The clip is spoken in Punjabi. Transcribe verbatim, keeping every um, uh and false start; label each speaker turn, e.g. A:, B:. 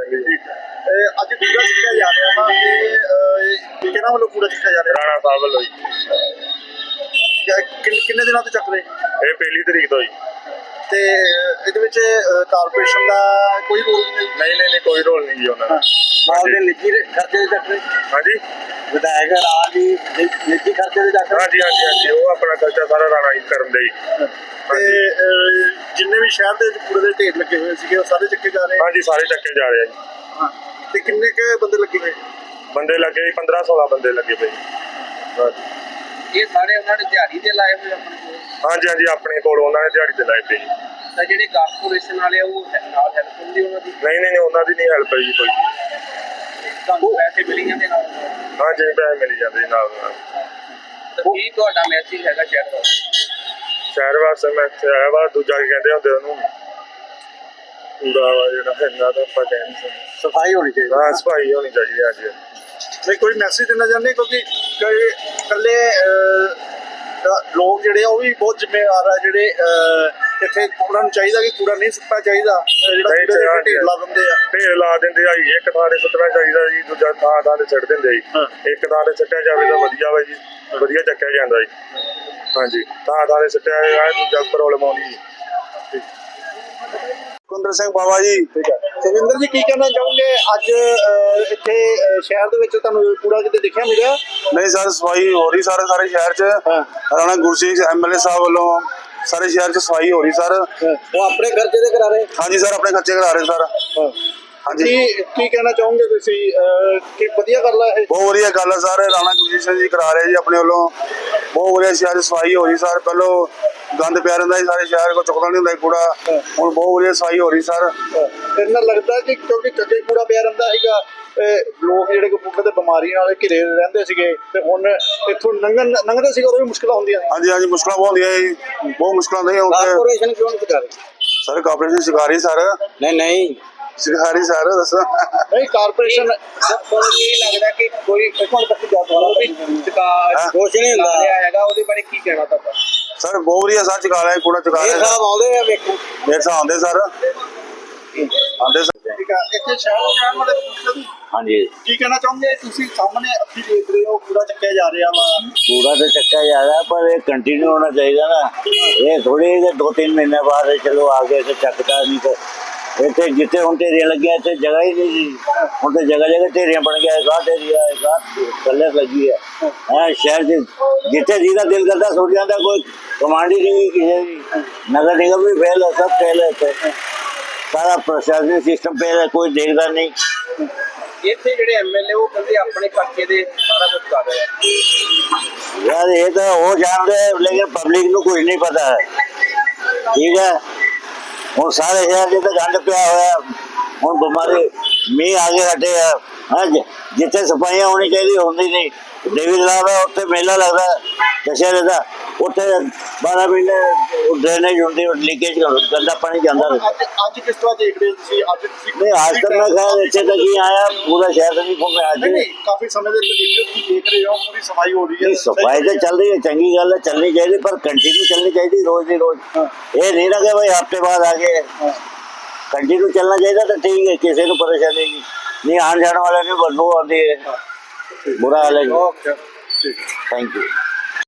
A: जी अज कूड़ा चुक्या जा रहा वा किहਨਾਂ ਵੱਲੋਂ कूड़ा चुक्या जा रहा
B: ਰਾਣਾ ਸਾਹਿਬ ਵੱਲੋਂ ਜੀ
A: ਕਿੰਨੇ ਦਿਨਾਂ ਤੋਂ ਚੱਕ ਰਹੇ
B: ਇਹ ਪਹਿਲੀ ਤਰੀਕ ਤੋਂ ਜੀ
A: ਤੇ ਇਹਦੇ ਵਿੱਚ ਕਾਰਪੋਰੇਸ਼ਨ ਦਾ ਕੋਈ ਰੋਲ ਨਹੀਂ
B: ਨਹੀਂ ਨਹੀਂ ਨਹੀਂ ਕੋਈ ਰੋਲ ਨਹੀਂ ਜੀ ਉਹਨਾਂ ਦਾ
A: ਨਾਲ ਦੇ ਨਿੱਜੀ ਖਰਚੇ ਦੇ ਚੱਕ ਰਹੇ
B: ਹਾਂਜੀ
A: ਵਿਧਾਇਕ ਰਾਜ ਦੀ ਨਿੱਜੀ ਖਰਚੇ ਦੇ ਚੱਕ ਰਹੇ
B: ਹਾਂਜੀ ਹਾਂਜੀ ਹਾਂਜੀ ਉਹ ਆਪਣਾ ਖਰਚਾ ਸਾਰਾ ਰਾਣਾ ਹੀ ਕਰਨ ਦੇ ਜੀ
A: ਤੇ ਜਿੰਨੇ ਵੀ ਸ਼ਹਿਰ ਦੇ ਕੂੜੇ ਦੇ ਢੇਰ ਲੱਗੇ ਹੋਏ ਸੀਗੇ ਉਹ ਸਾਰੇ ਚੱਕੇ ਜਾ ਰਹੇ
B: ਹਾਂਜੀ ਸਾਰੇ ਚੱਕੇ ਜਾ ਰਹੇ ਆ ਜੀ
A: ਹਾਂ ਤੇ ਕਿੰਨੇ ਕੁ ਬੰਦੇ ਲੱਗੇ ਹੋਏ
B: ਬੰਦੇ ਲੱਗੇ ਪੰਦਰਾਂ ਸੋਲਾਂ ਬੰਦੇ ਲੱਗੇ ਪਏ ਹਾਂਜੀ
C: ਇਹ ਸਾਰੇ ਉਹਨਾਂ ਨੇ ਦਿਹਾੜੀ ਦੇ ਲਾਏ ਹੋਏ ਆਪਣੇ ਕੋਲ
B: ਹਾਂਜੀ ਹਾਂਜੀ ਆਪਣੇ ਕੋਲ ਉਹਨਾਂ ਨੇ ਦਿਹਾੜੀ ਤੇ ਲਾਏ ਪਏ ਜੀ
C: ਤਾਂ ਜਿਹੜੇ ਕਾਰਪੋਰੇਸ਼ਨ ਵਾਲੇ ਆ ਉਹ ਨਾਲ ਹੈਲਪ ਹੁੰਦੀ ਉਹਨਾਂ ਦੀ
B: ਨਹੀਂ ਨਹੀਂ ਨਹੀਂ ਉਹਨਾਂ ਦੀ ਨਹੀਂ ਹੈਲਪ ਜੀ ਕੋਈ
C: ਤੁਹਾਨੂੰ ਪੈਸੇ ਮਿਲ ਜਾਂਦੇ ਨਾਲ
B: ਹਾਂਜੀ ਪੈਸੇ ਮਿਲ ਜਾਂਦੇ ਜੀ ਨਾਲ ਨਾਲ
C: ਤਾਂ ਕੀ ਤੁਹਾਡਾ ਮੈਸੇਜ ਹੈਗਾ ਸ਼ਹਿਰ ਦਾ
B: ਸ਼ਹਿਰ ਵਾਸਤੇ ਮੈਂ ਆਇਆ ਵਾ ਦੂਜਾ ਕੀ ਕਹਿੰਦੇ ਹੁੰਦੇ ਉਹਨੂੰ ਕੂੜਾ ਵਾ ਜਿਹੜਾ ਇਹਨਾਂ ਦਾ ਆਪਾਂ ਕਹਿੰਦੇ
A: ਸਫਾਈ ਹੋਣੀ ਚਾਹੀਦੀ
B: ਹਾਂ ਸਫਾਈ ਹੋਣੀ ਚਾਹੀਦੀ ਹੈ ਜੀ
A: ਨਹੀਂ ਕੋਈ ਮੈਸੇਜ ਦੇਣਾ ਚਾਹੁੰਦੇ ਕਿਉਂਕਿ ਕਈ ਇਕੱਲੇ ਲੋਕ ਜਿਹੜੇ ਆ ਉਹ ਵੀ ਬਹੁਤ ਜ਼ਿੰਮੇਵਾਰ ਆ ਜਿਹੜੇ ਇੱਥੇ ਉਹਨਾਂ ਨੂੰ ਚਾਹੀਦਾ ਕਿ ਕੂੜਾ ਨਹੀਂ ਸੁੱਟਣਾ ਚਾਹੀਦਾ ਜਿਹੜਾ
B: ਨਹੀਂ
A: ਕੂੜੇ ਦੇ
B: ਚਾਹੀਦਾ।
A: ਢੇਰ ਲਾ ਦਿੰਦੇ ਆ
B: ਢੇਰ ਲਾ ਦਿੰਦੇ ਆ ਜੀ ਇੱਕ ਥਾਂ ਤੇ ਸੁੱਟਣਾ ਚਾਹੀਦਾ ਜੀ ਦੂਜਾ ਥਾਂ ਥਾਂ ਤੇ ਸੁੱਟ ਦਿੰਦੇ ਜੀ ਇੱਕ ਥਾਂ ਤੇ ਸੁੱਟਿਆ ਜਾਵੇ ਤਾਂ ਵਧੀਆ ਵਾ ਜੀ ਵਧੀਆ ਚੱਕਿਆ ਜਾਂਦਾ ਜੀ ਹਾਂਜੀ ਥਾਂ ਥਾਂ ਤੇ ਸੁੱਟਿਆ ਜਾਵੇ ਦੂਜਾ ਪ੍ਰੋਬਲਮ ਆਉਂਦੀ ਜੀ
A: ਕੁੰਦਰ ਸਿੰਘ ਬਾਵਾ ਜੀ ਸੁਖਿੰਦਰ ਜੀ ਕੀ ਕਹਿਣਾ ਚਾਹੋਗੇ ਅੱਜ ਇੱਥੇ ਸ਼ਹਿਰ ਦੇ ਵਿੱਚ ਤੁਹਾਨੂੰ ਕੂੜਾ ਕਿਤੇ ਦਿਖਿਆ ਮਿਲਿਆ
D: नहीं सर सफाई हो रही सारे सारे शहर च राणा गुरजीत एमएलए साहब वालों सारे शहर च सफाई हो रही सर
A: ਉਹ ਆਪਣੇ ਖਰਚੇ ਦੇ ਕਰਾ ਰਹੇ
D: हाँ जी सर अपने खर्चे करा रहे सर हाँ जी
A: ਕੀ ਕੀ ਕਹਿਣਾ ਚਾਹੋਗੇ ਤੁਸੀਂ ਕਿ ਵਧੀਆ ਗੱਲ ਹੈ ਇਹ
D: बहुत वधिया गल है सर राणा गुरजीत जी करा रहे जी अपने वालों बहुत वधिया शहर च सफाई हो रही सर पहलो गंद पिया रहा सारे शहर को चुकना नहीं होंदा कूड़ा हुण बहुत वधिया सफाई हो रही सर
A: ਇਹਨਾਂ ਲੱਗਦਾ ਕਿ ਕਿਉਂਕਿ ਕੱਗੇ ਕੂੜਾ ਪਿਆ ਰਹਿੰਦਾ ਸੀਗਾ ਲੋਕ ਜਿਹੜੇ ਕਪੂਰਥਲੇ ਦੇ ਬਿਮਾਰੀਆਂ ਵਾਲੇ ਘਿਰੇ ਰਹਿੰਦੇ ਸੀਗੇ ਤੇ ਹੁਣ ਇੱਥੋਂ ਲੰਘਣ ਲੰਘਦੇ ਸੀਗੇ ਉਦੋਂ ਵੀ ਮੁਸ਼ਕਲਾਂ ਹੁੰਦੀਆਂ
D: हाँ जी हाँ जी मुश्किल बहुत होंदियां जी बहुत मुश्किल नहीं होंदी
A: ਕਾਰਪੋਰੇਸ਼ਨ ਕਿਉਂ ਨਹੀਂ ਕਰ ਰਹੀ
D: सर कॉर्पोरेशन सिखा रही सर
A: ਨਹੀਂ ਨਹੀਂ
D: सिखा रही सर दसो
A: ਨਹੀਂ ਕਾਰਪੋਰੇਸ਼ਨ
C: ਤੁਹਾਨੂੰ ਇਹ ਲੱਗਦਾ ਕਿ ਕੋਈ
A: ਇੱਕ ਮਿੰਟ ਤੱਕ ਜਾ
C: ਉਹ ਵੀ ਚੁਕਾ
A: ਕੁਛ ਨਹੀਂ ਹੁੰਦਾ
C: ਲਿਆ ਹੈਗਾ ਉਹਦੇ ਬਾਰੇ ਕੀ ਕਹਿਣਾ ਤੁਹਾਡਾ
D: सर बहुत वधिया सर चुका रहे कूड़ा चुका
A: ਇਹ
D: रहे
A: ਸਾਹਿਬ ਆਉਂਦੇ ਆ ਵੇਖੋ
D: मेरे साथ आंदे सर आंदे सर
A: ਠੀਕ ਆ ਇੱਥੇ ਸ਼ਹਿਰ ਦੇ ਰਹਿਣ ਵਾਲੇ ਕਪੂਰਥਲੇ ਦੀ
E: हाँ जी
A: ਕੀ ਕਹਿਣਾ ਚਾਹੋਗੇ ਤੁਸੀਂ ਸਾਹਮਣੇ ਅੱਖੀ ਦੇਖ ਰਹੇ ਹੋ ਕੂੜਾ ਚੱਕਿਆ ਜਾ ਰਿਹਾ ਵਾ
E: कूड़ा तो चक्का जा रहा है पर ये कंटिन्यू होना चाहिए ना ये थोड़ी कि दो तीन महीने बाद चलो आगे से चकता नहीं तो इतने जितने हूँ ढेरियां लगी इतने जगह ही नहीं थी हूँ तो जगह जगह ढेरियां बन गया एक आध ढेरिया एक आध कलर लगी है हैं शहर से जितने जितना दिल करता सुट जाता कोई कमांड ही नहीं किसी की नगर निगम भी फेल है सब फेल है इत्थे। सारा प्रशासनिक सिस्टम फेल है कोई देखता नहीं
C: ਇੱਥੇ ਜਿਹੜੇ ਐਮਐਲਏ ਉਹ ਕਹਿੰਦੇ ਆਪਣੇ ਖਰਚੇ ਦੇ ਸਾਰਾ ਕੁਝ ਕਰ ਰਹੇ ਆ
E: यार ये तो वो जान रहे हैं लेकिन पब्लिक को कुछ नहीं पता है ठीक है और सारे शहर जितने गंद पिया हुआ हूँ बीमारी मीह आगे हटे है हाँ जितने सफाइयाँ होनी चाहिए होती नहीं देवी तालाब है उत्ते मेला लगता है दशहरे का उत्ते बारह महीने ड्रेनेज होती लीकेज गंदा पानी जाता है
A: ਅੱਜ ਅੱਜ ਕਿਸ ਤਰ੍ਹਾਂ ਦੇਖ ਰਹੇ ਹੋ ਤੁਸੀਂ ਅੱਜ ਤੁਸੀਂ
E: नहीं आज तक मैं खैर इतने तक ही आया पूरा शहर नहीं घूमे आज
A: नहीं नहीं काफी समय से देखिए ਤੁਸੀਂ ਦੇਖ ਰਹੇ ਹੋ पूरी सफाई हो रही है
E: नहीं सफाई तो चल रही है चंगी गल है चलनी चाहिए पर कंटिन्यू चलनी चाहिए रोज ही रोज ये नहीं ना कि भाई हफ्ते बाद आगे कंटिन्यू चलना चाहिए तो ठीक है किसी को परेशानी नहीं नहीं आने जाने वाले ने बदबू आती है बुरा हाल है
A: ओके
E: थैंक यू।